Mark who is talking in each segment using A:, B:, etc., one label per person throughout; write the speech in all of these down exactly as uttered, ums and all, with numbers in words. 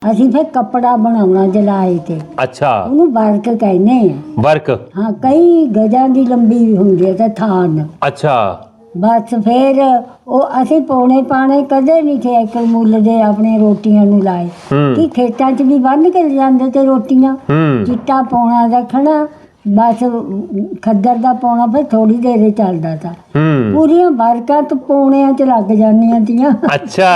A: ਅਸੀਂ ਫਿਰ ਕੱਪੜਾ ਬਣਾਉਣਾ ਜਲਾਏ ਤੇ।
B: ਅੱਛਾ,
A: ਉਹਨੂੰ ਵਰਕ ਕਹਿੰਦੇ ਆ।
B: ਵਰਕ।
A: ਹਾਂ, ਕਈ ਗਜਾਂ ਦੀ ਲੰਬੀ ਹੁੰਦੀ ਹੈ ਤੇ ਥਾਨ।
B: ਅੱਛਾ,
A: ਬਸ ਫਿਰ ਉਹ ਅਸੀਂ ਪੌਣੇ ਪਾਣੇ ਕਦੇ ਨਹੀਂ ਥੇ ਇੱਕ ਮੁੱਲ ਦੇ ਆਪਣੇ ਰੋਟੀਆਂ ਨੂੰ ਲਾਏ ਕਿ ਖੇਤਾਂ 'ਚ ਵੀ ਬੰਨ ਕੇ ਜਾਂਦੇ ਤੇ ਰੋਟੀਆਂ ਚਿੱਟਾ ਪੌਣਾ ਰੱਖਣਾ ਬਸ ਖੱਦਰ ਦਾ ਪੌਣਾ ਫਿਰ ਥੋੜੀ ਦੇਰ ਹੀ ਚੱਲਦਾ ਤਾ। ਪੂਰੀਆਂ ਵਰਕਾਂ ਤੋਂ ਪੌਣਿਆਂ 'ਚ ਲੱਗ ਜਾਂਦੀਆਂ ਤੀਆਂ।
B: ਅੱਛਾ।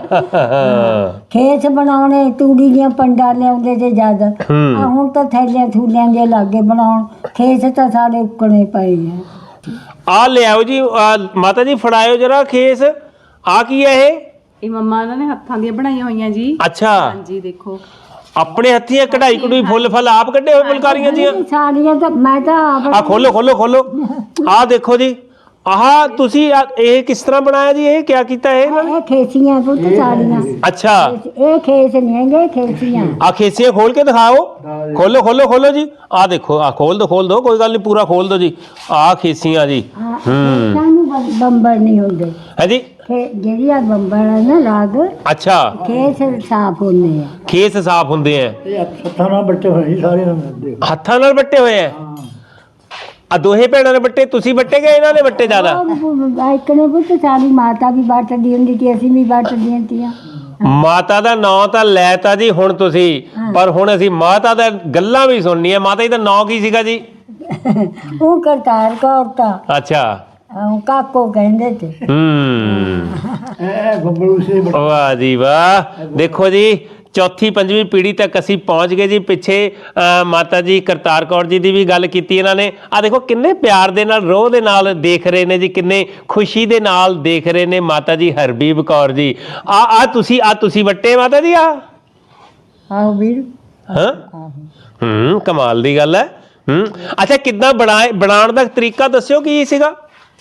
A: ਖੇਸ ਬਣਾਉਣੇ ਤੂੜੀ ਦੀਆਂ ਪੰਡਾਂ ਲਿਆਉਂਦੇ ਤੇ ਜਦ ਆ ਹੁਣ ਤਾਂ ਥੈਲਿਆਂ ਥੂਲਿਆਂ ਦੇ ਲਾਗੇ ਬਣਾਉਣ ਖੇਸ ਤਾਂ ਸਾਡੇ ਉੱਕਣੇ ਪਏ ਆ।
B: ਆ ਲਿਆਓ ਜੀ, ਆਹ ਮਾਤਾ ਜੀ ਫੜਾਇਓ ਜਰਾ ਖੇਸ। ਆ ਕੀ ਹੈ ਇਹ?
C: ਇਹ ਮੰਮਾ ਇਹਨਾਂ ਨੇ ਹੱਥਾਂ ਦੀਆਂ ਬਣਾਈਆਂ ਹੋਈਆਂ ਜੀ।
B: ਅੱਛਾ,
C: ਹਾਂਜੀ ਦੇਖੋ
B: ਆਪਣੇ ਹੱਥੀਂ ਕਢਾਈ ਕਢੂਈ ਫੁੱਲ ਫਲ ਆਪ ਕੱਢੇ ਹੋਏ ਫੁਲਕਾਰੀਆਂ ਦੀਆਂ।
A: ਸਾੜੀਆਂ ਤਾਂ ਮੈਂ ਤਾਂ ਆਪ
B: ਆ ਖੋਲੋ ਖੋਲੋ ਖੋਲੋ। ਆ ਦੇਖੋ ਜੀ, ਆਹ ਤੁਸੀਂ ਇਹ ਕਿਸ ਤਰ੍ਹਾਂ ਬਣਾਇਆ ਜੀ? ਇਹ ਕਿਆ ਕੀਤਾ ਇਹ?
A: ਇਹ ਖੇਸੀਆਂ ਪੁੱਤ ਸਾੜੀਆਂ।
B: ਅੱਛਾ,
A: ਇਹ ਖੇਸ ਨਹੀਂ ਹੈਗੇ ਖੇਸੀਆਂ।
B: ਆ ਖੇਸੀਆਂ ਖੋਲ ਕੇ ਦਿਖਾਓ। ਖੋਲੋ ਖੋਲੋ ਖੋਲੋ ਜੀ। ਆ ਦੇਖੋ, ਆ ਖੋਲ ਦੋ ਖੋਲ ਦੋ, ਕੋਈ ਗੱਲ ਨਹੀਂ, ਪੂਰਾ ਖੋਲ ਦੋ ਜੀ। ਆ ਖੇਸੀਆਂ ਜੀ। ਹੂੰ,
A: ਸਾਨੂੰ ਬੰਬਰ ਨਹੀਂ ਹੁੰਦੇ
B: ਹੈ ਜੀ।
A: ਜਿਹੜੀ ਆ ਬੰਬਰ ਹੈ ਨਾ ਰਾਗ।
B: ਅੱਛਾ,
A: ਖੇਸ ਸਾਫ਼ ਹੁੰਦੇ ਆ।
B: ਖੇਸ ਸਾਫ਼ ਹੁੰਦੇ ਆ।
D: ਹੱਥਾਂ ਨਾਲ ਬੱਟੇ ਹੋਏ ਸਾਰੇ।
B: ਹੱਥਾਂ ਨਾਲ ਵੱਟੇ ਹੋਏ ਆ। ਆ ਦੋਹੇ ਭੈਣਾਂ ਨੇ ਵੱਟੇ, ਤੁਸੀਂ ਵੱਟੇ ਗਏ, ਇਹਨਾਂ ਨੇ ਵੱਟੇ ਜ਼ਿਆਦਾ?
A: ਇੱਕ ਨੇ ਪੁੱਤ ਸਾਡੀ ਮਾਤਾ ਵੀ ਵੱਟਦੀ ਹੁੰਦੀ ਸੀ, ਅਸੀਂ ਵੀ ਵੱਟਦੀਆਂ ਤੀਆਂ।
B: ਮਾਤਾ ਦਾ ਨਾਂ ਤਾਂ ਲੈਤਾ ਜੀ ਹੁਣ ਤੁਸੀਂ, ਪਰ ਹੁਣ ਅਸੀਂ ਮਾਤਾ ਦਾ ਗੱਲਾਂ ਵੀ ਸੁਣਨੀਆਂ। ਮਾਤਾ ਜੀ ਦਾ ਨਾਂ ਕੀ ਸੀਗਾ ਜੀ?
A: ਉਹ ਕਰਤਾਰ ਕੌਰ ਤਾਂ
B: ਅੱਛਾ,
A: ਕਾਕੋ ਕਹਿੰਦੇ ਤੇ।
B: ਹੂੰ,
D: ਇਹ ਬੱਬਲੂ ਸੇ
B: ਵਾਹ ਜੀ ਵਾਹ। ਦੇਖੋ ਜੀ, ਚੌਥੀ ਪੰਜਵੀਂ ਪੀੜ੍ਹੀ ਤੱਕ ਅਸੀਂ ਪਹੁੰਚ ਗਏ ਜੀ। ਪਿੱਛੇ ਮਾਤਾ ਜੀ ਕਰਤਾਰ ਕੌਰ ਜੀ ਦੀ ਵੀ ਗੱਲ ਕੀਤੀ ਇਹਨਾਂ ਨੇ। ਆ ਦੇਖੋ ਕਿੰਨੇ ਪਿਆਰ ਦੇ ਨਾਲ, ਰੋਹ ਦੇ ਨਾਲ ਦੇਖ ਰਹੇ ਨੇ ਜੀ, ਕਿੰਨੇ ਖੁਸ਼ੀ ਦੇ ਨਾਲ ਦੇਖ ਰਹੇ ਨੇ ਮਾਤਾ ਜੀ ਹਰਬੀਬ ਕੌਰ ਜੀ। ਆ ਆ ਤੁਸੀਂ ਆ ਤੁਸੀਂ ਵੱਟੇ ਮਾਤਾ ਜੀ? ਆ
A: ਆਹੋ ਵੀਰ।
B: ਹਾਂ, ਹੂੰ, ਕਮਾਲ ਦੀ ਗੱਲ ਹੈ। ਹੂੰ, ਅੱਛਾ, ਕਿੱਦਾਂ ਬਣਾਏ, ਬਣਾਉਣ ਦਾ ਤਰੀਕਾ ਦੱਸਿਓ ਕੀ ਸੀਗਾ?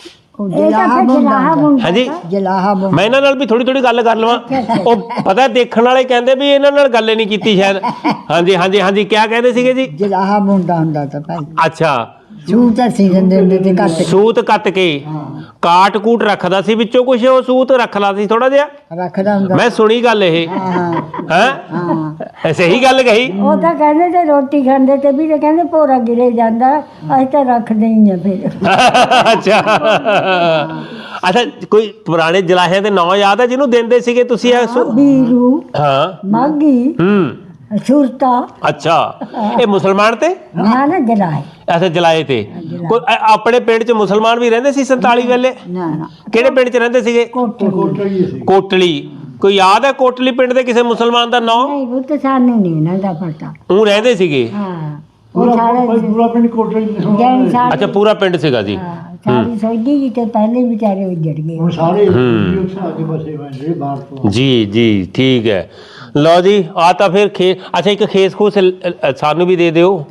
B: ਹਾਂਜੀ,
A: ਜਲਾਹਾ ਬੁੰਦਾ।
B: ਮੈਂ ਇਹਨਾਂ ਨਾਲ ਵੀ ਥੋੜੀ ਥੋੜੀ ਗੱਲ ਕਰ ਲਵਾਂ। ਉਹ ਪਤਾ ਦੇਖਣ ਵਾਲੇ ਕਹਿੰਦੇ ਵੀ ਇਹਨਾਂ ਨਾਲ ਗੱਲ ਨਹੀਂ ਕੀਤੀ ਸ਼ਾਇਦ। ਹਾਂਜੀ ਹਾਂਜੀ ਹਾਂਜੀ, ਕਿਆ ਕਹਿੰਦੇ ਸੀਗੇ ਜੀ?
A: ਜਲਾਹਾ ਬੁੰਦਾ ਹੁੰਦਾ ਤਾਂ ਭਾਈ।
B: ਅੱਛਾ,
A: ਸੂਤ ਅਸੀਂ ਦਿੰਦੇ ਹੁੰਦੇ ਤੇ ਕੱਟ
B: ਸੂਤ ਕੱਟ ਕੇ ਕਾਟ ਕੂਟ ਰੱਖਦਾ ਸੀ ਵਿੱਚੋਂ ਕੁਛ, ਉਹ ਸੂਤ ਰੱਖਦਾ ਸੀ ਥੋੜਾ ਜਿਹਾ।
A: ਰੱਖਦਾ ਹੁੰਦਾ।
B: ਮੈਂ ਸੁਣੀ ਗੱਲ ਇਹ।
A: ਹਾਂ
B: ਹੈ ਸਹੀ ਗੱਲ ਕਹੀ?
A: ਉਹ ਤਾਂ ਕਹਿੰਦੇ ਤੇ ਰੋਟੀ ਖਾਂਦੇ ਤੇ ਵੀ ਕਹਿੰਦੇ ਭੋਰਾ ਗਿਰੇ ਜਾਂਦਾ, ਅਸੀਂ ਤਾਂ ਰੱਖਦੇ ਹੀ ਆ ਫਿਰ।
B: ਅੱਛਾ ਅੱਛਾ, ਕੋਈ ਪੁਰਾਣੇ ਜਲਾਹਿਆਂ ਦੇ ਨਾਂ ਯਾਦ ਹੈ ਜਿਹਨੂੰ ਦਿੰਦੇ ਸੀਗੇ ਤੁਸੀਂ?
A: ਬੀਰੂ,
B: ਹਾਂ,
A: ਮਾਗੀ,
B: ਹੂੰ,
A: ਸੁਰਤਾ।
B: ਅੱਛਾ, ਇਹ ਮੁਸਲਮਾਨ ਤੇ?
A: ਨਾ ਨਾ ਜਲਾਏ।
B: ਅੱਛਾ, ਜਲਾਏ ਤੇ। ਕੋਈ ਆਪਣੇ ਪਿੰਡ ਚ ਮੁਸਲਮਾਨ ਵੀ ਰਹਿੰਦੇ ਸੀ ਸੰਤਾਲੀ ਵੇਲੇ?
A: ਨਾ ਨਾ।
B: ਕਿਹੜੇ ਪਿੰਡ ਚ ਰਹਿੰਦੇ ਸੀਗੇ?
A: ਕੋਟਲੀ।
B: ਕੋਟਲੀ। ਕੋਈ ਯਾਦ ਹੈ ਕੋਟਲੀ ਪਿੰਡ ਦੇ ਕਿਸੇ ਮੁਸਲਮਾਨ ਦਾ ਨਾਂ?
A: ਨਹੀਂ ਉਹ ਤਾਂ ਸਾਨੂੰ ਨਹੀਂ ਇਹਨਾਂ ਦਾ ਪਤਾ।
B: ਉਹ ਰਹਿੰਦੇ ਸੀਗੇ?
A: ਹਾਂ,
D: ਪੂਰਾ ਪੂਰਾ ਪਿੰਡ ਕੋਟਲੀ
A: ਜੈਨ ਸਾਹਿਬ।
B: ਅੱਛਾ, ਪੂਰਾ ਪਿੰਡ ਸੀਗਾ ਜੀ।
A: ਸਾਡੀ ਸੋਝੀ ਜੀ ਤੇ ਪਹਿਲੇ ਵਿਚਾਰੇ ਉੱਜੜ ਗਏ।
D: ਹੁਣ ਸਾਰੇ ਆਗੇ ਬਸੇ ਹੋਏ ਜਿਹੜੇ ਬਾਹਰ ਤੋਂ।
B: ਜੀ ਜੀ, ਠੀਕ ਹੈ। ਲਓ ਜੀ, ਆ ਤਾਂ ਫਿਰ ਖੇ ਅੱਛਾ, ਇੱਕ ਖੇਸ ਖੂਸ ਸਾਨੂੰ ਵੀ ਦੇ ਦਿਓ।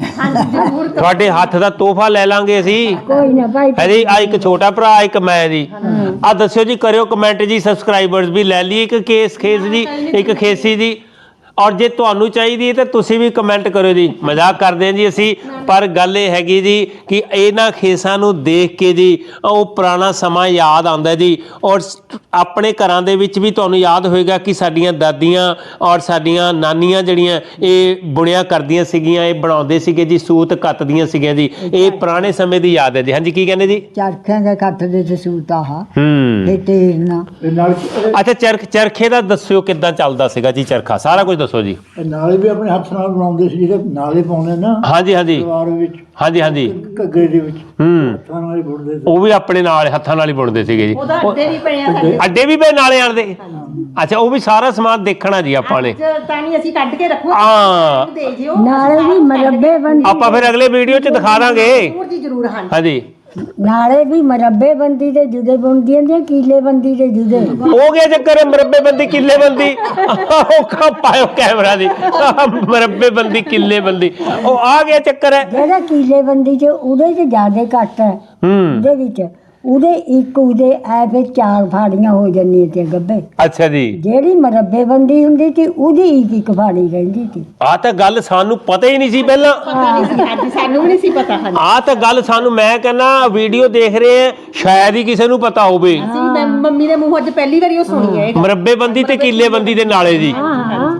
B: ਤੁਹਾਡੇ ਹੱਥ ਦਾ ਤੋਹਫਾ ਲੈ ਲਾਂਗੇ ਅਸੀਂ।
A: ਕੋਈ ਨਾ ਭਾਈ।
B: ਹੈ ਜੀ, ਆ ਇੱਕ ਛੋਟਾ ਭਰਾ, ਇੱਕ ਮੈਂ ਜੀ। ਆ ਦੱਸਿਓ ਜੀ, ਕਰਿਓ ਕਮੈਂਟ ਜੀ, ਸਬਸਕ੍ਰਾਈਬਰਸ ਵੀ ਲੈ ਲਈ ਇੱਕ ਕੇਸ ਖੇਸ ਜੀ, ਇੱਕ ਖੇਸੀ ਜੀ। ਔਰ ਜੇ ਤੁਹਾਨੂੰ ਚਾਹੀਦੀ ਹੈ ਤਾਂ ਤੁਸੀਂ ਵੀ ਕਮੈਂਟ ਕਰਿਓ ਜੀ। ਮਜ਼ਾਕ ਕਰਦੇ ਹਾਂ ਜੀ ਅਸੀਂ, ਪਰ ਗੱਲ ਇਹ ਹੈਗੀ ਜੀ ਕਿ ਇਹਨਾਂ ਖੇਸਾਂ ਨੂੰ ਦੇਖ ਕੇ ਜੀ ਉਹ ਪੁਰਾਣਾ ਸਮਾਂ ਯਾਦ ਆਉਂਦਾ ਜੀ। ਔਰ ਆਪਣੇ ਘਰਾਂ ਦੇ ਵਿੱਚ ਵੀ ਤੁਹਾਨੂੰ ਯਾਦ ਹੋਏਗਾ ਕਿ ਸਾਡੀਆਂ ਦਾਦੀਆਂ ਔਰ ਸਾਡੀਆਂ ਨਾਨੀਆਂ ਜਿਹੜੀਆਂ ਇਹ ਬੁਣਿਆ ਕਰਦੀਆਂ ਸੀਗੀਆਂ, ਇਹ ਬਣਾਉਂਦੇ ਸੀਗੇ ਜੀ, ਸੂਤ ਕੱਤਦੀਆਂ ਸੀਗੀਆਂ ਜੀ। ਇਹ ਪੁਰਾਣੇ ਸਮੇਂ ਦੀ ਯਾਦ ਹੈ ਜੀ। ਹਾਂਜੀ, ਕੀ ਕਹਿੰਦੇ ਜੀ?
A: ਚਰਖਿਆਂ ਦਾ ਕੱਟ ਦੇ ਤੇ ਸੂਤ ਆਹ
B: ਹੂੰ,
A: ਤੇ ਤੇਰਨਾ।
D: ਨਾਲ
B: ਅੱਛਾ, ਚਰਖ ਚਰਖੇ ਦਾ ਦੱਸਿਓ ਕਿੱਦਾਂ ਚੱਲਦਾ ਸੀਗਾ ਜੀ ਚਰਖਾ? ਸਾਰਾ ਕੁਝ ਦੱਸੋ ਜੀ।
D: ਨਾਲੇ ਵੀ ਆਪਣੇ ਹੱਥ ਨਾਲ ਬਣਾਉਂਦੇ ਸੀ, ਜਿਹੜੇ ਨਾਲੇ ਪਾਉਂਦੇ ਨਾ
B: ਹਾਂਜੀ ਹਾਂਜੀ
D: ਸਲਵਾਰ ਵਿੱਚ,
B: ਹਾਂਜੀ ਹਾਂਜੀ,
D: ਘੱਗਰੇ ਦੇ ਵਿੱਚ
B: ਹੂੰ,
D: ਹੱਥਾਂ ਨਾਲ ਹੀ ਬੁਣਦੇ ਸੀ।
B: ਉਹ ਵੀ ਆਪਣੇ ਨਾਲ ਹੱਥਾਂ ਨਾਲ ਹੀ ਬੁਣਦੇ ਸੀਗੇ ਜੀ।
C: ਉਹਦਾ ਅੱਡੇ ਵੀ ਪਏ ਆ ਸਾਡੇ।
B: ਅੱਡੇ ਵੀ ਪਏ ਨਾਲੇ ਆਣ ਦੇ? ਅੱਛਾ, ਉਹ ਵੀ ਸਾਰਾ ਸਮਾਨ ਦੇਖਣਾ ਜੀ ਆਪਾਂ ਨੇ।
C: ਤਾਂ ਨਹੀਂ ਅਸੀਂ ਕੱਢ ਕੇ ਰੱਖੋ,
B: ਹਾਂ,
C: ਦੇ ਜਿਓ।
A: ਨਾਲੇ ਵੀ ਮਰੱਬੇ ਬੰਦੀ।
B: ਆਪਾਂ ਫਿਰ ਅਗਲੇ ਵੀਡੀਓ 'ਚ ਦਿਖਾ ਦਾਂਗੇ।
C: ਜ਼ਰੂਰ ਜੀ ਜ਼ਰੂਰ। ਹਾਂ,
B: ਹਾਂਜੀ,
A: ਨਾਲੇ ਵੀ ਮਰੱਬੇ ਬੰਦੀ ਦੇ ਜੁਦੇ ਬੁਣਦੀਆਂ ਦੀਆਂ, ਕੀਲੇ ਬੰਦੀ ਦੇ ਜੁਦੇ।
B: ਹੋ ਗਿਆ ਚੱਕਰ ਮਰੱਬੇ ਬੰਦੀ ਕਿੱਲੇ ਬੰਦੀ। ਉਹ ਕਾ ਪਾਇਓ ਕੈਮਰਾ ਦੀ, ਮਰੱਬੇ ਬੰਦੀ ਕਿੱਲੇ ਬੰਦੀ, ਉਹ ਆ ਗਿਆ ਚੱਕਰ ਹੈ।
A: ਜਿਹੜਾ ਕੀਲੇ ਬੰਦੀ ਚ ਉਹਦੇ ਚ ਜ਼ਿਆਦਾ ਘੱਟ ਹੈ।
B: ਹੂੰ,
A: ਉਹਦੇ ਵਿੱਚ ਉਹਦੇ ਇੱਕ ਉਹਦੇ ਐ ਫਿਰ ਚਾਰ ਫਾੜੀਆਂ ਹੋ ਜਾਂਦੀਆਂ ਤੇ ਗੱਬੇ।
B: ਅੱਛਾ ਜੀ।
A: ਜਿਹੜੀ ਮਰੱਬੇ ਬੰਦੀ ਹੁੰਦੀ ਸੀ ਉਹਦੀ ਇੱਕ ਇੱਕ ਫਾੜੀ ਰਹਿੰਦੀ ਸੀ।
B: ਆ ਤਾਂ ਗੱਲ ਸਾਨੂੰ ਪਤਾ ਹੀ ਨਹੀਂ ਸੀ ਪਹਿਲਾਂ।
C: ਹਾਂਜੀ, ਸਾਨੂੰ ਵੀ ਨਹੀਂ ਸੀ ਪਤਾ। ਹਾਂਜੀ,
B: ਆ ਤਾਂ ਗੱਲ ਸਾਨੂੰ, ਮੈਂ ਕਹਿੰਦਾ ਵੀਡੀਓ ਦੇਖ ਰਹੇ ਆ, ਸ਼ਾਇਦ ਹੀ ਕਿਸੇ ਨੂੰ ਪਤਾ ਹੋਵੇ।
C: ਅਸੀਂ ਮੈਂ ਮੰਮੀ ਦੇ ਮੂੰਹੋਂ ਅੱਜ ਪਹਿਲੀ ਵਾਰੀ ਉਹ ਸੁਣੀ ਹੈ।
B: ਮਰੱਬੇ ਬੰਦੀ ਤੇ ਕੀਲੇ ਬੰਦੀ ਦੇ ਨਾਲੇ ਜੀ।
A: ਹਾਂ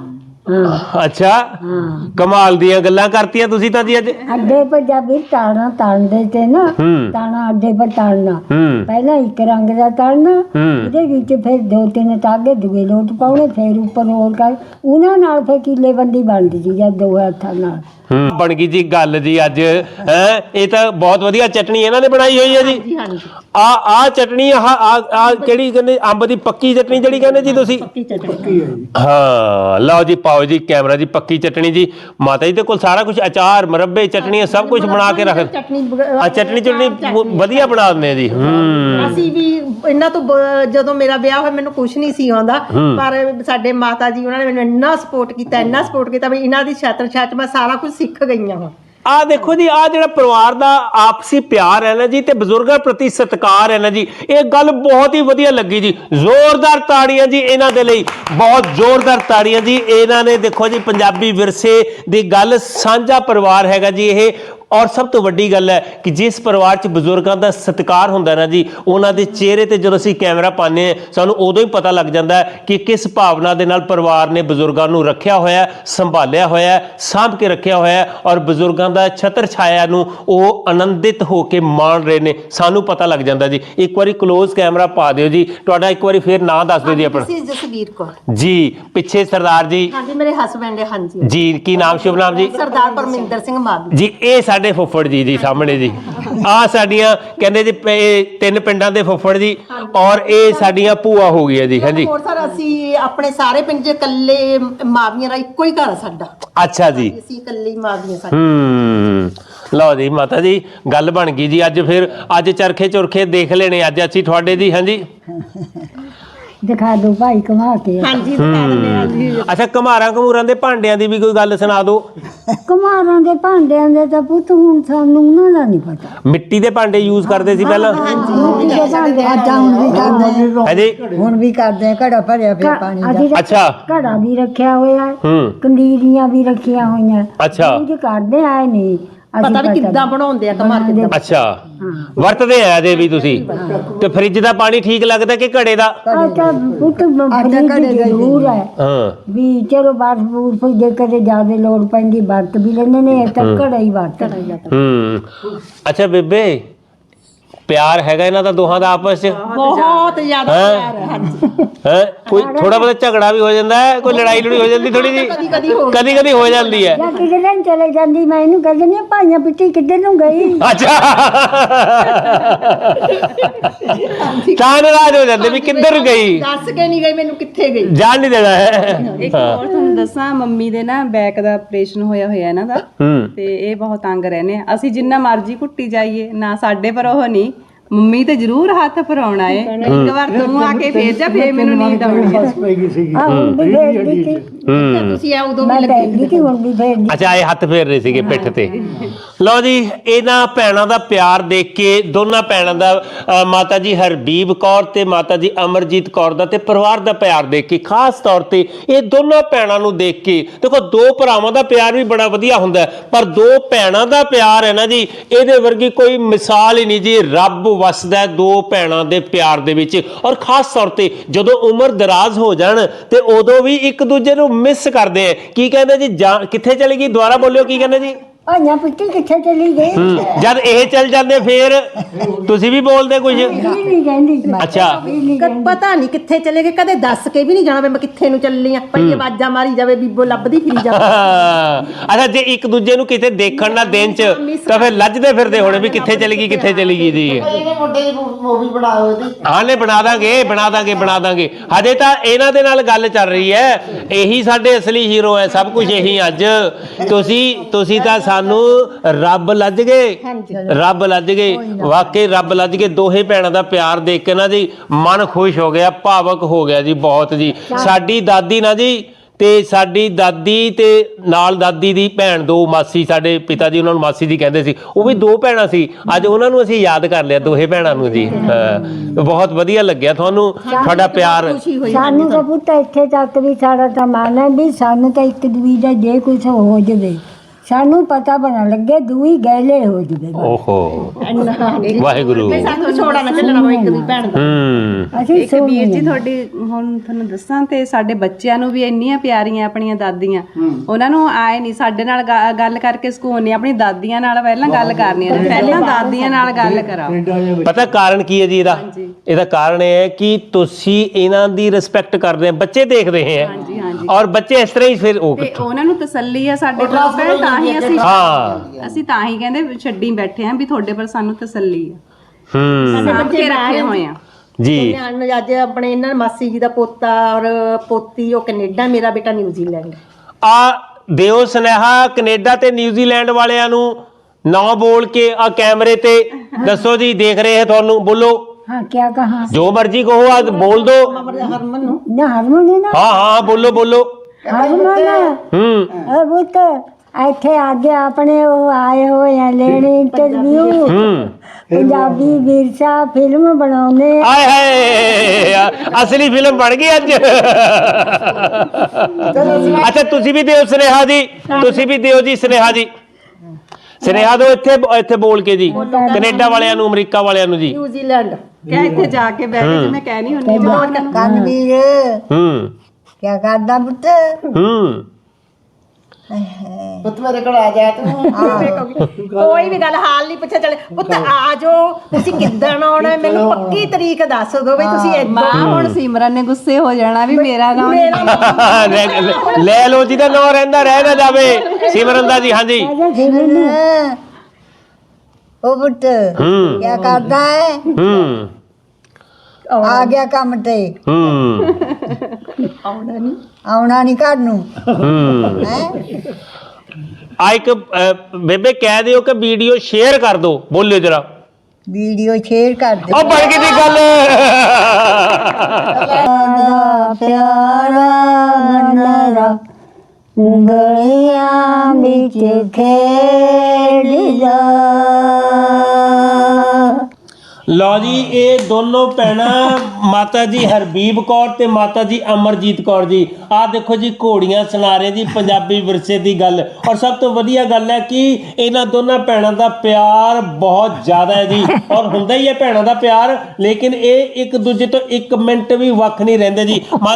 B: ਅੱਛਾ ਕਮਾਲ ਦੀਆਂ ਗੱਲਾਂ ਕਰਤੀਆਂ ਤੁਸੀਂ ਤਾਂ ਜੀ ਅੱਜ।
A: ਅੱਡੇ ਪਰ ਜਦ ਵੀ ਤਾਣਾ ਤਾਣਦੇ ਤੇ ਨਾ
B: ਹੂੰ
A: ਤਾਣਾ ਅੱਡੇ ਪਰ ਤਾਣਨਾ
B: ਹੂੰ
A: ਪਹਿਲਾਂ ਇੱਕ ਰੰਗ ਦਾ ਤਾਣਨਾ
B: ਹੂੰ
A: ਉਹਦੇ ਵਿੱਚ ਫਿਰ ਦੋ ਤਿੰਨ ਤਾਗੇ ਦੂਏ ਲੋਟ ਪਾਉਣੇ ਫਿਰ ਉੱਪਰ ਹੋਰ ਕਰ ਉਹਨਾਂ ਨਾਲ ਫਿਰ ਕੀਲੇ ਬੰਦੀ ਬਣਦੀ ਸੀ ਜਾਂ ਦੋ ਹੱਥਾਂ ਨਾਲ।
B: ਹੂੰ ਬਣ ਗਈ ਜੀ ਗੱਲ ਜੀ ਅੱਜ ਹੈ। ਇਹ ਤਾਂ ਬਹੁਤ ਵਧੀਆ ਚਟਣੀ ਇਹਨਾਂ ਨੇ ਬਣਾਈ ਹੋਈ ਹੈ ਜੀ।
C: ਜੀ ਹਾਂਜੀ
B: ਆ ਆ ਚਟਣੀ ਆ ਆ ਕਿਹੜੀ ਕਹਿੰਦੇ ਅੰਬ ਦੀ ਪੱਕੀ ਚਟਣੀ ਜਿਹੜੀ ਕਹਿੰਦੇ ਜੀ ਤੁਸੀਂ।
C: ਪੱਕੀ ਚਟਣੀ
D: ਪੱਕੀ ਹੈ ਜੀ।
B: ਹਾਂ ਲਓ ਜੀ ਪਾਓ ਜੀ ਕੈਮਰਾ ਜੀ ਪੱਕੀ ਚਟਣੀ ਜੀ। ਮਾਤਾ ਜੀ ਦੇ ਕੋਲ ਸਾਰਾ ਕੁਝ ਅਚਾਰ ਮੁਰੱਬੇ ਚਟਣੀਆਂ ਸਭ ਕੁਝ ਬਣਾ ਕੇ ਰੱਖ
C: ਚਟਣੀ
B: ਆ ਚਟਣੀ ਚਟਣੀ ਵਧੀਆ ਬਣਾ ਦਿੰਦੇ ਆ ਜੀ। ਹੂੰ
C: ਅਸੀਂ ਵੀ ਇਹਨਾਂ ਤੋਂ ਬ- ਜਦੋਂ ਮੇਰਾ ਵਿਆਹ ਹੋਇਆ ਮੈਨੂੰ ਕੁਝ ਨਹੀਂ ਸੀ ਆਉਂਦਾ ਪਰ ਸਾਡੇ ਮਾਤਾ ਜੀ ਉਹਨਾਂ ਨੇ ਮੈਨੂੰ ਇੰਨਾ ਸਪੋਰਟ ਕੀਤਾ ਇੰਨਾ ਸਪੋਰਟ ਕੀਤਾ ਵੀ ਇਹਨਾਂ ਦੀ ਛਾਤਰ ਛਾਤ ਮੈਂ ਸਾਰਾ ਕੁਝ ਸਿੱਖ ਗਈਆਂ ਹਾਂ।
B: ਆ ਦੇਖੋ ਜੀ ਆ ਜਿਹੜਾ ਪਰਿਵਾਰ ਦਾ ਆਪਸੀ ਪਿਆਰ ਹੈ ਨਾ ਜੀ ਤੇ ਬਜ਼ੁਰਗਾਂ ਪ੍ਰਤੀ ਸਤਿਕਾਰ ਹੈ ਨਾ ਜੀ ਇਹ ਗੱਲ ਬਹੁਤ ਹੀ ਵਧੀਆ ਲੱਗੀ ਜੀ। ਜ਼ੋਰਦਾਰ ਤਾੜੀਆਂ ਜੀ ਇਹਨਾਂ ਦੇ ਲਈ ਬਹੁਤ ਜ਼ੋਰਦਾਰ ਤਾੜੀਆਂ ਜੀ। ਇਹਨਾਂ ਨੇ ਦੇਖੋ ਜੀ ਪੰਜਾਬੀ ਵਿਰਸੇ ਦੀ ਗੱਲ ਸਾਂਝਾ ਪਰਿਵਾਰ ਹੈਗਾ ਜੀ ਇਹ। ਔਰ ਸਭ ਤੋਂ ਵੱਡੀ ਗੱਲ ਹੈ ਕਿ ਜਿਸ ਪਰਿਵਾਰ 'ਚ ਬਜ਼ੁਰਗਾਂ ਦਾ ਸਤਿਕਾਰ ਹੁੰਦਾ ਨਾ ਜੀ ਉਹਨਾਂ ਦੇ ਚਿਹਰੇ ਤੇ ਜਦੋਂ ਅਸੀਂ ਕੈਮਰਾ ਪਾਉਂਦੇ ਹਾਂ ਸਾਨੂੰ ਉਦੋਂ ਹੀ ਪਤਾ ਲੱਗ ਜਾਂਦਾ ਹੈ ਕਿ ਕਿਸ ਭਾਵਨਾ ਦੇ ਨਾਲ ਪਰਿਵਾਰ ਨੇ ਬਜ਼ੁਰਗਾਂ ਨੂੰ ਰੱਖਿਆ ਹੋਇਆ ਸੰਭਾਲਿਆ ਹੋਇਆ ਸਾਂਭ ਕੇ ਰੱਖਿਆ ਹੋਇਆ ਔਰ ਬਜ਼ੁਰਗਾਂ ਦਾ ਛਤਰ ਛਾਇਆ ਨੂੰ ਉਹ ਆਨੰਦਿਤ ਹੋ ਕੇ ਮਾਣ ਰਹੇ ਨੇ ਸਾਨੂੰ ਪਤਾ ਲੱਗ ਜਾਂਦਾ ਜੀ। ਇੱਕ ਵਾਰੀ ਕਲੋਜ਼ ਕੈਮਰਾ ਪਾ ਦਿਓ ਜੀ। ਤੁਹਾਡਾ ਇੱਕ ਵਾਰੀ ਫੇਰ ਨਾਂ ਦੱਸ ਦਿਓ ਜੀ ਆਪਣਾ।
C: ਤੁਸੀਂ ਜਸਵੀਰ ਕੌਰ
B: ਜੀ ਪਿੱਛੇ ਸਰਦਾਰ ਜੀ
C: ਹਾਂਜੀ ਮੇਰੇ ਹਸਬੰਡ ਹੈ ਹਾਂਜੀ
B: ਜੀ ਕੀ ਨਾਮ ਸ਼ੁਭ ਨਾਮ ਜੀ।
C: ਸਰਦਾਰ ਪਰਮਿੰਦਰ ਸਿੰਘ ਮਾਨ
B: ਜੀ ਇਹ ਸਾਡੇ ਫੁੱਫੜ ਜੀ ਜੀ ਸਾਹਮਣੇ ਜੀ ਆ ਸਾਡੀਆਂ ਕਹਿੰਦੇ ਜੀ ਪ- ਇਹ ਤਿੰਨ ਪਿੰਡਾਂ ਦੇ ਫੁੱਫੜ ਜੀ ਔਰ ਇਹ ਸਾਡੀਆਂ ਭੂਆ ਹੋ ਗਈਆਂ ਜੀ। ਹਾਂਜੀ
C: ਹੋਰ ਸਰ ਅਸੀਂ ਆਪਣੇ ਸਾਰੇ ਪਿੰਡ 'ਚ ਇਕੱਲੇ ਮਾਵੀਆਂ ਦਾ ਇੱਕੋ ਹੀ ਘਰ ਆ ਸਾਡਾ।
B: ਅੱਛਾ ਜੀ
C: ਅਸੀਂ ਇਕੱਲੇ ਹੀ ਮਾਵੀਆਂ ਸਾਡੇ।
B: ਹੂੰ ਲਓ ਜੀ ਮਾਤਾ ਜੀ ਗੱਲ ਬਣ ਗਈ ਜੀ। ਅੱਜ ਫਿਰ ਅੱਜ ਚਰਖੇ ਚੁਰਖੇ ਦੇਖ ਲੈਣੇ ਅੱਜ ਅਸੀਂ ਤੁਹਾਡੇ ਜੀ। ਹਾਂਜੀ
A: ਦਿਖਾ ਦੋ ਭਾਈ ਕਮਾ ਕੇ।
C: ਹਾਂਜੀ ਦਿਖਾ ਦਿੰਦੇ ਆ ਜੀ।
B: ਅੱਛਾ ਘਮਾਰਾਂ ਘਮੂਰਾਂ ਦੇ ਭਾਂਡਿਆਂ ਦੀ ਵੀ ਕੋਈ ਗੱਲ ਸੁਣਾ ਦਿਓ।
A: ਕੁਮਾਰਾਂ ਦੇ ਭਾਂਡਿਆਂ ਦੇ ਤਾਂ ਪੁੱਤ ਹੁਣ ਸਾਨੂੰ ਉਹਨਾਂ ਦਾ ਨਹੀਂ ਪਤਾ।
B: ਮਿੱਟੀ ਦੇ ਭਾਂਡੇ ਯੂਜ਼ ਕਰਦੇ ਸੀ ਪਹਿਲਾਂ।
A: ਮਿੱਟੀ ਦੇ ਭਾਂਡੇ ਆਟਾ ਹੁਣ ਵੀ ਕਰਦੇ
B: ਹਾਂਜੀ
A: ਹੁਣ ਵੀ ਕਰਦੇ ਘੜਾ ਭਰਿਆ ਪਿਆ ਪਾਣੀ ਦਾ।
B: ਅੱਛਾ
A: ਘੜਾ ਵੀ ਰੱਖਿਆ ਹੋਇਆ ਹੈ,
B: ਹੂੰ
A: ਕੰਡੀਰੀਆਂ ਵੀ ਰੱਖੀਆਂ ਹੋਈਆਂ।
B: ਅੱਛਾ
A: ਕੁਝ ਕਰਦੇ ਆਏ ਨਹੀਂ
C: ਪਤਾ ਵੀ ਕਿੱਦਾਂ ਬਣਾਉਂਦੇ ਆ ਕਮਾਰ ਕਿੱਦਾਂ।
B: ਅੱਛਾ ਵਰਤਦੇ ਆ ਇਹਦੇ ਵੀ ਤੁਸੀਂ। ਤੇ ਫ੍ਰਿਜ ਦਾ ਪਾਣੀ ਠੀਕ ਲੱਗਦਾ ਕਿ ਘੜੇ ਦਾ।
A: ਆਟਾ ਪੁੱਤ ਫਰੀਦ ਜ਼ਰੂਰ ਹੈ
B: ਹਾਂ
A: ਵੀ ਚਲੋ ਬਾਰ ਬੂਰ ਫਿਰ ਜੇ ਕਦੇ ਜ਼ਿਆਦਾ ਲੋੜ ਪੈਂਦੀ ਵਰਤ ਵੀ ਲੈਂਦੇ ਨੇ ਇਹ ਤਾਂ ਘੜਾ ਹੀ ਵਰਤ।
B: ਹੂੰ ਅੱਛਾ ਬੇਬੇ ਪਿਆਰ ਹੈਗਾ ਇਹਨਾਂ ਦਾ ਦੋਹਾਂ ਦਾ ਆਪਸ ਚ।
C: ਬਹੁਤ ਜ਼ਿਆਦਾ ਪਿਆਰ ਹੈ ਹਾਂਜੀ।
B: ਹੈ ਕੋਈ ਥੋੜਾ ਬਹੁਤਾ ਝਗੜਾ ਵੀ ਹੋ ਜਾਂਦਾ ਹੈ ਕੋਈ ਲੜਾਈ ਲੜੀ ਹੋ ਜਾਂਦੀ ਥੋੜੀ ਜੀ
C: ਕਦੀ ਕਦੀ ਹੋ
B: ਕਦੀ ਕਦੀ ਹੋ ਜਾਂਦੀ ਹੈ।
A: ਜਾਂ ਕਿਸੇ ਦਿਨ ਚਲੇ ਜਾਂਦੀ ਮੈਂ ਇਹਨੂੰ ਕਹਿੰਦੀ ਨਹੀਂ ਭਾਈਆਂ ਪਿੱਛੇ ਕਿੱਧਰ ਨੂੰ ਗਈ।
B: ਅੱਛਾ ਤਾਂ ਨਾਰਾਜ਼ ਹੋ ਜਾਂਦੇ ਵੀ ਕਿੱਧਰ ਗਈ
C: ਦੱਸ ਕੇ ਨਹੀਂ ਗਈ ਮੈਨੂੰ ਕਿੱਥੇ ਗਈ।
B: ਜਾਣ ਨਹੀਂ ਦੇਣਾ ਹੈ।
E: ਇੱਕ ਹੋਰ ਤੁਹਾਨੂੰ ਦੱਸਾਂ ਮੰਮੀ ਦੇ ਨਾ ਬੈਕ ਦਾ ਆਪਰੇਸ਼ਨ ਹੋਇਆ ਹੋਇਆ ਇਹਨਾਂ ਦਾ
B: ਹੂੰ
E: ਤੇ ਇਹ ਬਹੁਤ ਤੰਗ ਰਹਿੰਦੇ ਆ। ਅਸੀਂ ਜਿੰਨਾ ਮਰਜ਼ੀ ਘੁੱਟੀ ਜਾਈਏ ਨਾ ਸਾਡੇ ਪਰ ਉਹ ਨਹੀਂ ਮੰਮੀ ਤੇ ਜ਼ਰੂਰ ਹੱਥ ਫਰਾਉਣਾ ਏ। ਇੱਕ ਵਾਰ ਤੂੰ ਆ ਕੇ ਫੇਰ ਜਾ ਫੇਰ ਮੈਨੂੰ ਨੀਂਦ ਆਉਣੀ ਹੈ।
D: ਬਸ ਪੈ ਗਈ ਸੀਗੀ।
A: ਆਹ ਹੁਣ ਵੀ ਫੇਰਦੀ ਸੀ
B: ਹੂੰ
C: ਤੁਸੀਂ ਆ ਉਦੋਂ ਵੀ
A: ਮੈਂ
C: ਲੱਗੇ
A: ਫੇਰਦੀ ਸੀ ਹੁਣ ਵੀ ਫੇਰਦੀ।
B: ਅੱਛਾ ਇਹ ਹੱਥ ਫੇਰ ਰਹੇ ਸੀਗੇ ਪਿੱਠ ਤੇ। ਲਓ ਜੀ ਇਹਨਾਂ ਭੈਣਾਂ ਦਾ ਪਿਆਰ ਦੇਖ ਕੇ ਦੋਨਾਂ ਭੈਣਾਂ ਦਾ ਅ, ਮਾਤਾ ਜੀ ਹਰਬੀਬ ਕੌਰ ਤੇ ਮਾਤਾ ਜੀ ਅਮਰਜੀਤ ਕੌਰ ਦਾ ਤੇ ਪਰਿਵਾਰ ਦਾ ਪਿਆਰ ਦੇਖ ਕੇ ਖਾਸ ਤੌਰ ਤੇ ਇਹ ਦੋਨਾਂ ਭੈਣਾਂ ਨੂੰ ਦੇਖ ਕੇ ਦੇਖੋ ਦੋ ਭਰਾਵਾਂ ਦਾ ਪਿਆਰ ਵੀ ਬੜਾ ਵਧੀਆ ਹੁੰਦਾ ਹੈ, ਪਰ ਦੋ ਭੈਣਾਂ ਦਾ ਪਿਆਰ ਹੈ ਨਾ ਜੀ ਇਹਦੇ ਵਰਗੀ ਕੋਈ ਮਿਸਾਲ ਹੀ ਨਹੀਂ ਜੀ। ਰੱਬ ਵਸਦਾ ਦੋ ਭੈਣਾਂ ਦੇ ਪਿਆਰ ਦੇ ਵਿੱਚ। ਔਰ ਖਾਸ ਤੌਰ ਤੇ ਜਦੋਂ ਉਮਰ ਦਰਾਜ਼ ਹੋ ਜਾਣ ਤੇ ਉਦੋਂ ਵੀ ਇੱਕ ਦੂਜੇ ਨੂੰ ਮਿਸ ਕਰਦੇ ਆ। ਕੀ ਕਹਿੰਦੇ ਜੀ ਜਾਂ ਕਿੱਥੇ ਚਲੀ ਗਈ ਦੁਬਾਰਾ ਬੋਲਿਓ ਕੀ ਕਹਿੰਦੇ ਜੀ।
A: ਭਾਈਆਂ ਪਿੱਛੇ ਕਿੱਥੇ ਚਲੀ ਗਈ
B: ਹੂੰ ਜਦ ਇਹ ਚੱਲ ਜਾਂਦੇ ਫੇਰ ਤੁਸੀਂ ਵੀ ਬੋਲਦੇ ਕੁਝ।
A: ਇਹ ਨਹੀਂ ਕਹਿੰਦੀ ਮੈਂ।
B: ਅੱਛਾ
C: ਕ- ਪਤਾ ਨਹੀਂ ਕਿੱਥੇ ਚਲੇ ਗਏ ਕਦੇ ਦੱਸ ਕੇ ਵੀ ਨਹੀਂ ਜਾਣਾ ਵੀ ਮੈਂ ਕਿੱਥੇ ਨੂੰ ਚੱਲੀ ਆ। ਪਈ ਆਵਾਜ਼ਾਂ ਮਾਰੀ ਜਾਵੇ ਬੀਬੋ ਲੱਭਦੀ ਫਿਰੀ ਜਾਵੇ।
B: ਅੱਛਾ ਜੇ ਇੱਕ ਦੂਜੇ ਨੂੰ ਕਿਤੇ ਦੇਖਣ ਨਾ ਦਿਨ ਚ ਤਾਂ ਫਿਰ ਲੱਜਦੇ ਫਿਰਦੇ ਹੋਣੇ ਵੀ ਕਿੱਥੇ ਚਲੀ ਗਈ ਕਿੱਥੇ ਚਲੀ ਗਈ ਜੀ। ਹਾਂ ਨੇ ਬਣਾ ਦਾਂਗੇ ਬਣਾ ਦਾਂਗੇ ਬਣਾ ਦਾਂਗੇ। ਹਜੇ ਤਾਂ ਇਹਨਾਂ ਦੇ ਨਾਲ ਗੱਲ ਚੱਲ ਰਹੀ ਹੈ। ਇਹੀ ਸਾਡੇ ਅਸਲੀ ਹੀਰੋ ਹੈ ਸਭ ਕੁਝ ਇਹੀ। ਅੱਜ ਤੁਸੀਂ ਤੁਸੀਂ ਤਾਂ ਸਾਨੂੰ ਰੱਬ ਲੱਜ ਗਏ ਰੱਬ ਲੱਜ ਗਏ ਵਾਕਈ ਰੱਬ ਲੱਜ ਗਏ। ਦੋਹੇ ਭੈਣਾਂ ਦਾ ਪਿਆਰ ਦੇਖ ਕੇ ਨਾ ਜੀ ਮਨ ਖੁਸ਼ ਹੋ ਗਿਆ ਭਾਵਕ ਹੋ ਗਿਆ ਜੀ ਬਹੁਤ ਜੀ। ਸਾਡੀ ਦਾਦੀ ਨਾ ਜੀ ਤੇ ਸਾਡੀ ਦਾਦੀ ਤੇ ਨਾਲ ਦਾਦੀ ਦੀ ਭੈਣ ਦੋ ਮਾਸੀ ਸਾਡੇ ਪਿਤਾ ਜੀ ਉਹਨਾਂ ਨੂੰ ਮਾਸੀ ਜੀ ਕਹਿੰਦੇ ਸੀ ਉਹ ਵੀ ਦੋ ਭੈਣਾਂ ਸੀ। ਅੱਜ ਉਹਨਾਂ ਨੂੰ ਅਸੀਂ ਯਾਦ ਕਰ ਲਿਆ ਦੋਹੇ ਭੈਣਾਂ ਨੂੰ ਜੀ। ਹਾਂ ਬਹੁਤ ਵਧੀਆ ਲੱਗਿਆ ਤੁਹਾਨੂੰ ਤੁਹਾਡਾ ਪਿਆਰ।
A: ਸਾਨੂੰ ਤਾਂ ਪੁੱਤ ਇੱਥੇ ਤੱਕ ਵੀ ਸਾਡਾ ਤਾਂ ਮਨ ਹੈ ਵੀ ਸਾਨੂੰ ਤਾਂ ਇੱਕ ਦੂਜੀ ਦਾ ਜੇ ਕੁਝ ਹੋ ਜਾਵੇ ਸਾਨੂੰ ਪਤਾ ਬਣਾ ਲੱਗੇ ਦੂਈ ਗੈਲੇ ਹੋ ਜਵੇ
B: ਓਹੋ
C: ਇੰਨਾ
B: ਵਾਹਿਗੁਰੂ
C: ਸਾਨੂੰ ਛੋੜਾ ਨਾ ਚੱਲਣਾ ਹੋਵੇ ਇੱਕ ਦੀ ਭੈਣ ਦਾ
B: ਹੂੰ
A: ਅਸੀਂ
E: ਇੱਕ ਵੀਰ ਜੀ ਤੁਹਾਡੀ ਹੁਣ ਤੁਹਾਨੂੰ ਦੱਸਾਂ ਤੇ ਸਾਡੇ ਬੱਚਿਆਂ ਨੂੰ ਵੀ ਇੰਨੀਆਂ ਪਿਆਰੀਆਂ ਆਪਣੀਆਂ ਦਾਦੀਆਂ ਉਹਨਾਂ ਨੂੰ ਆਏ ਨਹੀਂ ਸਾਡੇ ਨਾਲ ਗਾ- ਗੱਲ ਕਰਕੇ ਸਕੂਨ ਨਹੀਂ ਆਪਣੀ ਦਾਦੀਆਂ ਨਾਲ ਪਹਿਲਾਂ ਗੱਲ ਕਰਨੀ ਹੈ ਪਹਿਲਾਂ ਦਾਦੀਆਂ ਨਾਲ ਗੱਲ ਕਰਾਓ
D: ਕੈਨੇਡਾ ਦੇ ਵਿੱਚ
B: ਪਤਾ ਕਾਰਨ ਕੀ ਹੈ ਜੀ ਇਹਦਾ ਇਹਦਾ ਕਾਰਨ ਇਹ ਹੈ ਕਿ ਤੁਸੀਂ ਇਹਨਾਂ ਦੀ ਰਿਸਪੈਕਟ ਕਰਦੇ ਆ ਬੱਚੇ ਦੇਖ ਰਹੇ ਹੈ
E: ਹਾਂਜੀ ਹਾਂਜੀ
B: ਔਰ ਬੱਚੇ ਇਸ ਤਰ੍ਹਾਂ ਹੀ ਫਿਰ ਉਹ
E: ਤੇ ਉਹਨਾਂ ਨੂੰ ਤਸੱਲੀ ਆ ਸਾਡੇ ਕੋਲ ਭੈਣ ਤਾਂ ਹੀ ਅਸੀਂ
B: ਹਾਂ
E: ਅਸੀਂ ਤਾਂ ਹੀ ਕਹਿੰਦੇ ਵੀ ਛੱਡੀ ਬੈਠੇ ਆਂ ਵੀ ਤੁਹਾਡੇ ਪਰ ਸਾਨੂੰ ਤਸੱਲੀ ਆ
B: ਹੂੰ
E: ਸਾਂਭ ਕੇ ਰੱਖੇ ਹੋਏ ਆ
B: ਜੀ
C: ਨਿਆਣ ਨੂੰ ਅੱਜ ਆਪਣੇ ਇਹਨਾਂ ਮਾਸੀ ਜੀ ਦਾ ਪੋਤਾ ਔਰ ਪੋਤੀ ਉਹ ਕੈਨੇਡਾ, ਮੇਰਾ ਬੇਟਾ ਨਿਊਜ਼ੀਲੈਂਡ।
B: ਆ ਦਿਓ ਸੁਨੇਹਾ ਕੈਨੇਡਾ ਤੇ ਨਿਊਜ਼ੀਲੈਂਡ ਵਾਲਿਆਂ ਨੂੰ ਨਾ ਬੋਲ ਕੇ ਆ ਕੈਮਰੇ ਤੇ ਦੱਸੋ ਜੀ ਦੇਖ ਰਹੇ ਹੈ ਤੁਹਾਨੂੰ ਬੋਲੋ
A: हाँ क्या कहा
B: ਜੋ ਮਰਜ਼ੀ ਕਹੋ ਆ ਬੋਲ ਦੋ
C: ਹਰਮਨ ਨੂੰ
A: ना हारमोनी ना
B: ਹਾਂ ਹਾਂ ਬੋਲੋ ਬੋਲੋ
A: हारमोना
B: ਹੂੰ
A: अब तो ਇੱਥੇ ਆਗੇ ਆਪਣੇ ਉਹ ਆਏ ਹੋਏ ਆ ਲੈਣੇ ਇੰਟਰਵਿਊ
B: ਹੂੰ
A: ਪੰਜਾਬੀ ਵਿਰਸਾ ਫਿਲਮ ਬਣਾਉਣੇ
B: ਆਏ ਹਾਏ ਅਸਲੀ ਫਿਲਮ ਬਣ ਗਈ ਅੱਜ ਅੱਛਾ ਤੁਸੀਂ ਵੀ ਦਿਓ ਸੁਨੇਹਾ ਜੀ ਤੁਸੀਂ ਵੀ ਦਿਓ ਜੀ ਸੁਨੇਹਾ ਜੀ ਸੁਨੇਹਾ ਦਿਓ ਇੱਥੇ ਇੱਥੇ ਬੋਲ ਕੇ ਜੀ ਕੈਨੇਡਾ ਵਾਲਿਆਂ ਨੂੰ ਅਮਰੀਕਾ ਵਾਲਿਆਂ ਨੂੰ ਜੀ
C: ਨਿਊਜ਼ੀਲੈਂਡ
E: ਕਿਆ ਇੱਥੇ ਜਾ ਕੇ ਬਹਿ ਕੇ ਜਿਵੇਂ ਕਹਿਣੀ ਹੁੰਦੀ ਜਦੋਂ
A: ਕਨਵੀਰ
B: ਹੂੰ
A: ਕੀ ਕਰਦਾ ਪੁੱਤ
B: ਹੂੰ
C: ਪੁੱਤ ਮੇਰੇ ਕੋਲ ਆ ਜਾ ਤੂੰ ਕੋਈ ਵੀ ਗੱਲ ਹਾਲ ਨਹੀਂ ਪੁੱਛਿਆ ਚਲੇ ਪੁੱਤ ਆ ਜਾਓ ਤੁਸੀਂ ਕਿੱਦਣ ਆਉਣਾ ਮੈਨੂੰ ਪੱਕੀ ਤਰੀਕ ਦੱਸ ਦਿਓ ਬਈ ਤੁਸੀਂ ਏਦਾਂ
E: ਮਾਂ ਹੁਣ ਸਿਮਰਨ ਨੇ ਗੁੱਸੇ ਹੋ ਜਾਣਾ ਵੀ ਮੇਰਾ ਨਾਮ
B: ਲੈ- ਲੈ ਲਓ ਜੀ ਦਾ ਨਾਂ ਰਹਿੰਦਾ ਰਹਿ ਨਾ ਜਾਵੇ ਸਿਮਰਨ ਦਾ ਜੀ ਹਾਂਜੀ
A: ਉਹ ਪੁੱਤ
B: ਹੂੰ
A: ਕੀ ਕਰਦਾ ਹੈ
B: ਹੂੰ
A: ਆ ਗਿਆ ਕੰਮ ਤੇ
B: ਹੂੰ
A: ਆਉਣਾ ਨਹੀਂ ਘਰ ਨੂੰ
B: ਹੂੰ
A: ਹੈ
B: ਆ ਇੱਕ ਅ, ਬੇਬੇ ਕਹਿ ਦਿਓ ਕਿ ਵੀਡੀਓ ਸ਼ੇਅਰ ਕਰ ਦਿਓ ਬੋਲਿਓ ਜਰਾ
A: ਵੀਡੀਓ ਸ਼ੇਅਰ ਕਰ ਦੇ
B: ਉਹ ਬਣ ਗਈ ਦੀ ਗੱਲ
A: ਪਿਆਰਾ ਨਰਾ ਗਲੀਆਂ ਵਿੱਚ ਖੇਡਦਾ
B: ਲਓ ਜੀ ਇਹ ਦੋਨੋਂ ਭੈਣਾਂ ਮਾਤਾ ਜੀ ਹਰਬੀਬ ਕੌਰ ਤੇ ਮਾਤਾ ਜੀ ਅਮਰਜੀਤ ਕੌਰ ਜੀ ਆਹ ਦੇਖੋ ਜੀ ਘੋੜੀਆਂ ਸੁਣਾ ਰਹੇ ਜੀ ਪੰਜਾਬੀ ਵਿਰਸੇ ਦੀ ਗੱਲ ਔਰ ਸਭ ਤੋਂ ਵਧੀਆ ਗੱਲ ਹੈ ਕਿ ਇਹਨਾਂ ਦੋਨਾਂ ਭੈਣਾਂ ਦਾ ਪਿਆਰ ਬਹੁਤ ਜ਼ਿਆਦਾ ਹੈ ਜੀ ਔਰ ਹੁੰਦਾ ਹੀ ਹੈ ਭੈਣਾਂ ਦਾ ਪਿਆਰ ਲੇਕਿਨ ਇਹ ਇੱਕ ਦੂਜੇ ਤੋਂ ਇੱਕ ਮਿੰਟ ਵੀ ਵੱਖ ਨਹੀਂ ਰਹਿੰਦੇ ਜੀ